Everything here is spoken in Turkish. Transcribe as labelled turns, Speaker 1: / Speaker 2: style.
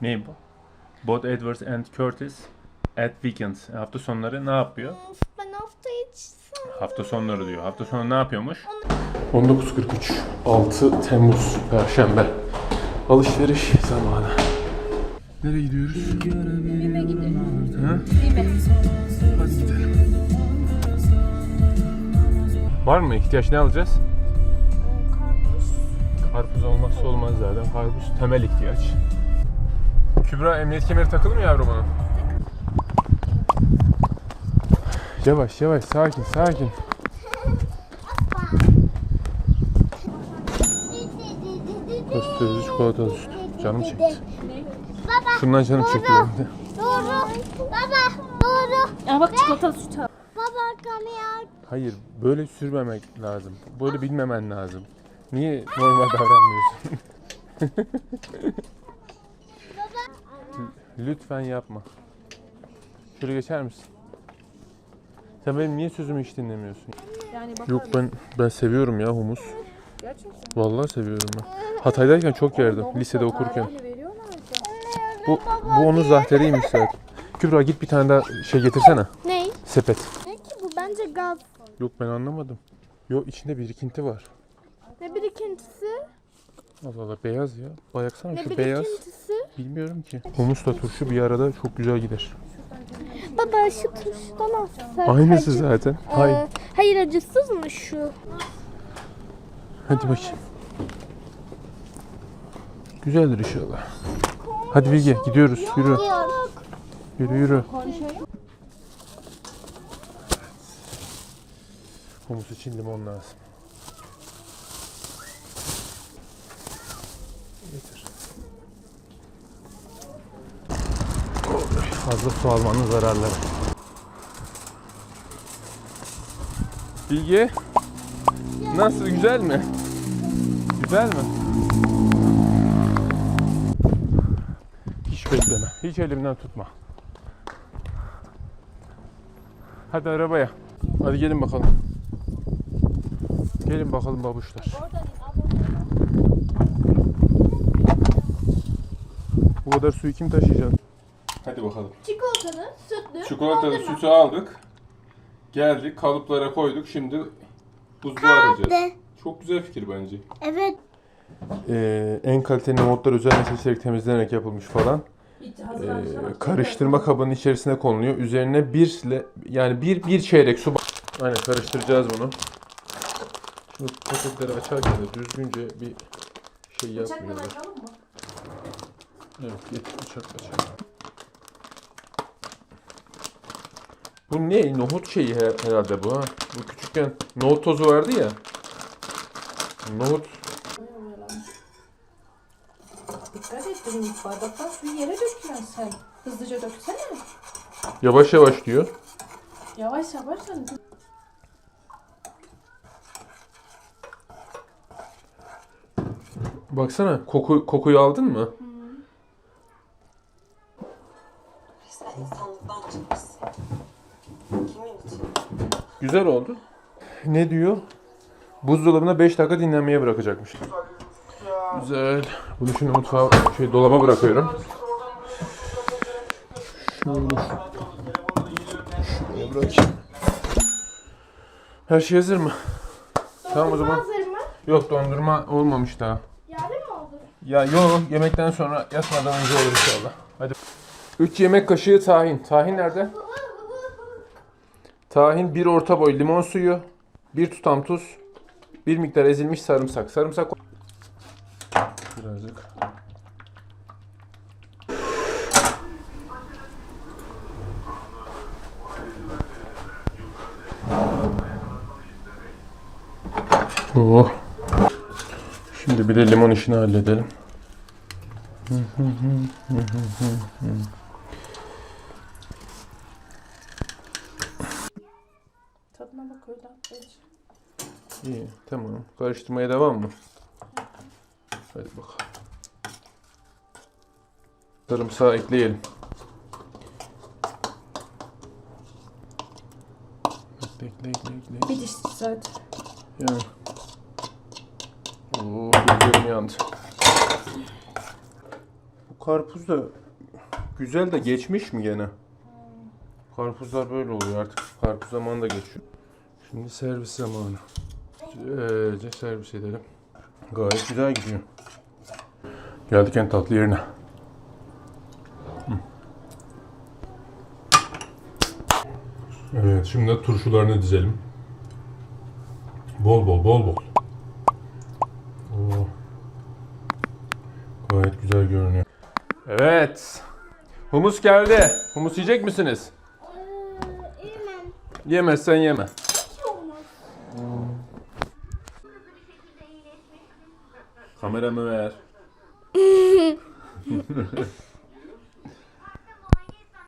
Speaker 1: Ne bu? Both Edwards and Curtis at weekends. Hafta sonları ne yapıyor?
Speaker 2: Ben hafta içi
Speaker 1: Hafta sonları diyor. Hafta sonu ne yapıyormuş? 19.43 6 Temmuz Perşembe. Alışveriş zamanı. Nereye gidiyoruz?
Speaker 2: BİM'e gidiyoruz.
Speaker 1: Ha?
Speaker 2: BİM'e.
Speaker 1: Hadi gidelim. Var mı ihtiyaç, ne alacağız?
Speaker 2: Karpuz.
Speaker 1: Karpuz olmazsa olmaz zaten. Karpuz temel ihtiyaç. Kübra, emniyet kemeri takılı mı yavrum onun? Yavaş yavaş, sakin sakin. Gösterici çikolatalı süt. Canım çekti.
Speaker 2: Baba.
Speaker 1: Şundan canım çekti benim de.
Speaker 2: Doğru. Baba. Doğru.
Speaker 3: Ya bak çikolatalı süt al.
Speaker 2: Baba kamera.
Speaker 1: Hayır, böyle sürmemek lazım. Böyle bilmemen lazım. Niye normal davranmıyorsun? Lütfen yapma. Şöyle geçer misin? Sen benim niye sözümü hiç dinlemiyorsun?
Speaker 3: Yani bak.
Speaker 1: Yok, ben seviyorum ya humus.
Speaker 3: Gerçekten.
Speaker 1: Vallahi seviyorum ben. Hatay'dayken çok yerdim, lisede okurken. Bu onun zahteriymiş zaten. Kübra, git bir tane daha şey getirsene.
Speaker 2: Ne?
Speaker 1: Sepet.
Speaker 2: Ne ki bu? Bence gaz.
Speaker 1: Yok, ben anlamadım. Yok, içinde birikinti var.
Speaker 2: Ne birikintisi?
Speaker 1: Allah Allah, beyaz ya. Bayaksana
Speaker 2: Ne
Speaker 1: şu beyaz.
Speaker 2: birikintisi?
Speaker 1: Bilmiyorum ki. Humusla turşu bir arada çok güzel gider.
Speaker 2: Baba şu turşudan alsak.
Speaker 1: Aynısı
Speaker 2: acı.
Speaker 1: zaten. Hayır.
Speaker 2: Hayır acısız mı şu?
Speaker 1: Hadi bakayım. Güzeldir inşallah. Hadi Bilge, gidiyoruz. Yürü. Yürü yürü. Humus için limon lazım. Getir. Fazla su almanın zararları. Bilge, nasıl, güzel mi? Güzel mi? Hiç bekleme. Hiç elimden tutma. Hadi arabaya. Hadi gelin bakalım. Gelin bakalım babuşlar. Bu kadar suyu kim taşıyacak? Hadi bakalım.
Speaker 2: Çikolatalı, sütlü.
Speaker 1: Çikolatalı sütü aldık. Geldik, kalıplara koyduk. Şimdi buzluğa arayacağız. Çok güzel fikir bence.
Speaker 2: Evet.
Speaker 1: En kaliteli nohutlar özenle seçilerek temizlenerek yapılmış falan. Karıştırma kabının içerisine konuluyor. Üzerine bir çeyrek su. Aynen, karıştıracağız bunu. Şimdi paketleri açarken de düzgünce bir şey yapmıyorlar. Evet, getir bıçakla açalım. Bu ne? Nohut şeyi herhalde bu ha. Bu küçükken nohut tozu vardı ya. Nohut.
Speaker 3: Dikkat et benim bardaktan suyu yere döküyorsun sen. Hızlıca döksene.
Speaker 1: Yavaş yavaş diyor.
Speaker 3: Yavaş yavaş sen.
Speaker 1: Baksana, kokuyu aldın mı?
Speaker 4: Sen insanlıktan çıkmışsın. Kimin için?
Speaker 1: Güzel oldu. Ne diyor? Buzdolabına 5 dakika dinlenmeye bırakacakmış. Güzel. Bunu şimdi mutfağa, dolaba bırakıyorum. Şöyle şuraya bırakayım. Her şey hazır mı? Tamam o zaman.
Speaker 2: Hazır mı?
Speaker 1: Yok, dondurma olmamış daha.
Speaker 2: Yarın mı oldu?
Speaker 1: Ya yok, yemekten sonra, yatmadan önce olur inşallah. Hadi. 3 yemek kaşığı tahin. Tahin nerede? Tahin, 1 orta boy limon suyu, 1 tutam tuz, 1 miktar ezilmiş sarımsak. Sarımsak birazcık. Oh. Şimdi bir de limon işini halledelim.
Speaker 3: Tadına bak öyle.
Speaker 1: İyi, tamam. Karıştırmaya devam mı? Hadi bakalım. Sarımsağı ekleyelim. Ekle.
Speaker 3: Bir diş zaten.
Speaker 1: Yani. Oo, gözlerim yandı. Bu karpuz da güzel de geçmiş mi gene? Karpuzlar böyle oluyor artık. Karpuz zamanı da geçiyor. Şimdi servis zamanı. Güzelce servis edelim. Gayet güzel gidiyor. Geldik en tatlı yerine. Evet, şimdi de turşularını dizelim. Bol bol, bol bol. Oo. Gayet güzel görünüyor. Evet. Humus geldi. Humus yiyecek misiniz?
Speaker 2: Yemem.
Speaker 1: Yemezsen yeme.
Speaker 2: Hiç olmaz.
Speaker 1: Kameramı ver.